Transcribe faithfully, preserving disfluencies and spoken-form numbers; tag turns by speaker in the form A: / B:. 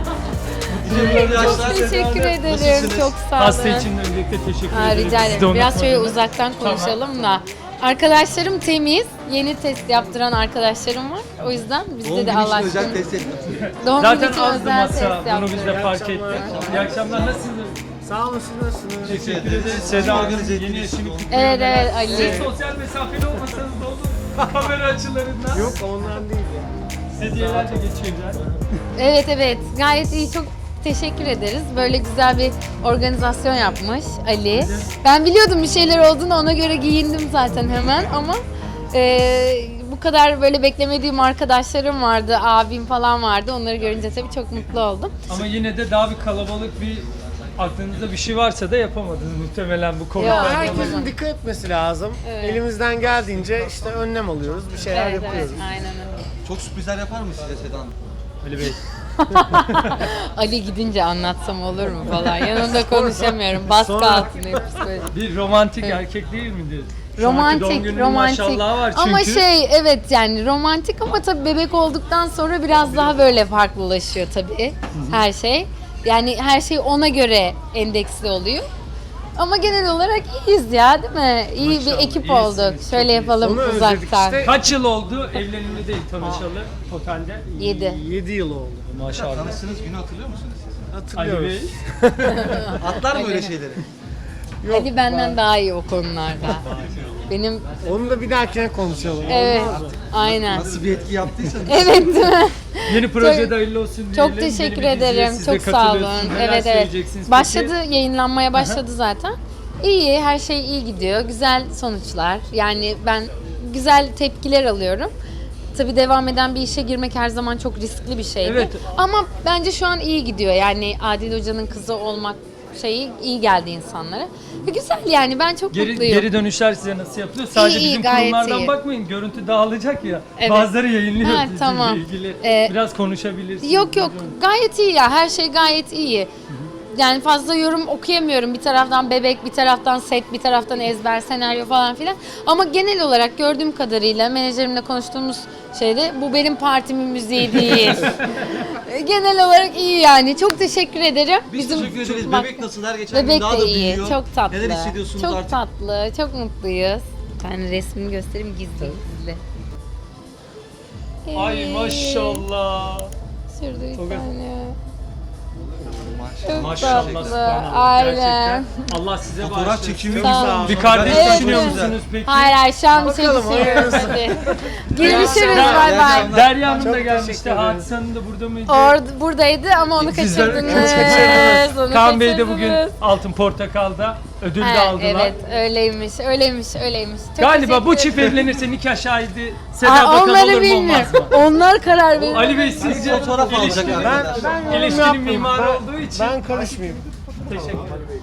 A: Çok teşekkür ederim. Çok sağ olun.
B: Hasta için de öncelikle teşekkür
A: Ha,
B: ederim.
A: rica
B: Siz de
A: ederim. Biraz şöyle
B: unutmadınız.
A: uzaktan konuşalım da. Arkadaşlarım temiz. Yeni test yaptıran arkadaşlarım var. O yüzden bizde de Allah aşkına.
C: özel test yaptım.
A: Doğum günü
B: Zaten
A: için
B: azdı
A: özel test
B: masa. Bunu
A: yaptım.
B: biz de fark ettik. İyi akşamlar. Nasılsınız?
D: Sağ olun, siz nasılsınız?
B: Teşekkür ederiz. Seda Hanım yeni eşini kutluyor.
A: Evet evet Ali.
B: Siz sosyal mesafeli olmasanız da olur. Kamera açılarından.
D: Yok, ondan değil ya.
B: Hediyeler de geçiyorlar.
A: Evet evet gayet iyi, çok teşekkür ederiz. Böyle güzel bir organizasyon yapmış Ali. Ben biliyordum bir şeyler olduğunu, ona göre giyindim zaten hemen ama e, bu kadar böyle beklemediğim arkadaşlarım vardı, abim falan vardı. Onları görünce tabii çok mutlu oldum.
B: Ama yine de daha bir kalabalık bir aklınızda bir şey varsa da yapamadınız muhtemelen bu
A: Yok,
B: Covid'den.
D: Herkesin dikkat etmesi lazım.
A: Evet.
D: Elimizden geldiğince işte önlem alıyoruz, bir şeyler
A: Evet evet
D: yapıyoruz.
A: aynen öyle.
C: Çok sürprizler yapar mı size Seda Hanım?
B: Ali Bey.
A: Ali gidince anlatsam olur mu falan. Yanında konuşamıyorum. Baskı
D: Sonra-
A: altındayım psikolojik.
B: Bir romantik erkek değil midir? Şu anki doğum
A: Romantik,
B: gününün
A: romantik.
B: maşallahı var çünkü.
A: Ama şey evet yani romantik ama tabii bebek olduktan sonra biraz daha böyle farklılaşıyor tabii her şey. Yani her şey ona göre endeksli oluyor. Ama genel olarak iyiyiz ya değil mi? İyi
B: Maşallah,
A: bir ekip
B: iyisiniz,
A: olduk.
B: çok
A: Şöyle
B: iyisiniz.
A: yapalım
D: Onu özledik
A: uzaktan.
D: işte.
B: Kaç yıl oldu evlenimli değil tanışalı totalde?
A: Yedi.
D: yedi yıl oldu.
B: Maşallah.
C: Tanıştığınız günü hatırlıyor musunuz siz?
B: Ali
D: Hatırlıyoruz.
B: Bey.
C: Atlar mı öyle şeyleri?
D: Yok,
A: Ali benden daha iyi o konularda. Benim
D: Onu da bir dahakine konuşalım.
A: evet
D: Olmaz mı?
A: aynen.
C: Nasıl bir etki yaptıysanız.
A: Evet değil mi?
B: Yeni projede hayırlı olsun diyelim.
A: Çok
B: Yeni
A: teşekkür
B: bir diziye
A: ederim.
B: siz de
A: Çok sağ olun.
B: katılıyorsunuz. Neler
A: Evet evet.
B: söyleyeceksiniz peki?
A: Başladı, yayınlanmaya başladı zaten. İyi, her şey iyi gidiyor. Güzel sonuçlar. Yani ben güzel tepkiler alıyorum. Tabii devam eden bir işe girmek her zaman çok riskli bir şeydi.
B: Evet.
A: Ama bence şu an iyi gidiyor. Yani Adil Hoca'nın kızı olmak şeyi iyi geldi insanlara. Ve güzel yani, ben çok
B: Geri,
A: mutluyum.
B: geri dönüşler size nasıl yapılıyor? Sadece
A: iyi,
B: bizim
A: gayet
B: kurumlardan
A: iyi.
B: bakmayın. Görüntü dağılacak ya.
A: Evet.
B: Bazıları yayınlıyor
A: Ha,
B: sizinle
A: tamam.
B: ilgili.
A: Ee,
B: Biraz konuşabilirsiniz.
A: Yok yok, gayet iyi ya, her şey gayet iyi. Yani fazla yorum okuyamıyorum. Bir taraftan bebek, bir taraftan set, bir taraftan ezber, senaryo falan filan. Ama genel olarak gördüğüm kadarıyla menajerimle konuştuğumuz şeyde bu benim partimin müziği değil. Genel olarak iyi yani. Çok teşekkür ederim.
C: Biz teşekkür ederiz.
A: Bak-
C: Bebek nasıl? Her geçen
A: Bebek
C: gün daha
A: de
C: da
A: iyi.
C: büyüyor.
A: Çok tatlı.
C: Neler hissediyorsunuz
A: çok
C: artık?
A: tatlı. Çok mutluyuz. Ben resmini göstereyim gizli gizli.
B: Ay
A: Evet.
B: maşallah.
A: Şurada bir
B: Çok-
A: tane. Çok
B: Maşallah
A: tatlı.
B: subhanallah.
A: Aynen.
B: Gerçekten. Allah size
C: Fotoğraf
B: bağışlasın.
C: çekimi
A: Sağ
C: güzel.
A: olun.
B: Bir kardeş
A: Evet,
B: düşünüyor
A: evet.
B: musunuz peki?
A: Hayır hayır, şu an bir şey
D: Bakalım,
A: düşünüyoruz.
D: hayırlısı.
A: Hadi. Görüşürüz,
B: Ya-
A: bay bay.
C: Ya-
B: Derya Hanım
D: Çok
B: da gelmişti.
D: teşekkür ederiz.
B: Hadise Hanım da burada mıydı?
A: Orada buradaydı ama onu
B: Sizler
A: kaçırdınız.
B: kaçırdınız.
A: Onu
B: Kaan Bey de bugün
A: kaçırdınız.
B: Altın Portakal'da ödül de
A: Ha,
B: aldılar.
A: evet öyleymiş, öyleymiş, öyleymiş. Çok
B: Galiba bu
A: teşekkür
B: çift
A: ederim.
B: evlenirse nikah şahidi Seda
A: Aa,
B: Bakan olur
A: onları
B: mu
A: bilmiyorum.
B: olmaz mı?
A: Onlar karar verir.
B: Ali Bey sizce
C: Fotoğraf alacak
B: ilişkinin,
D: Ben,
C: arkadaşlar.
D: ben yorum
B: ilişkinin
D: yapmayayım.
B: mimarı
D: Ben-
B: olduğu için
D: Ben karışmayayım.
B: teşekkür ederim.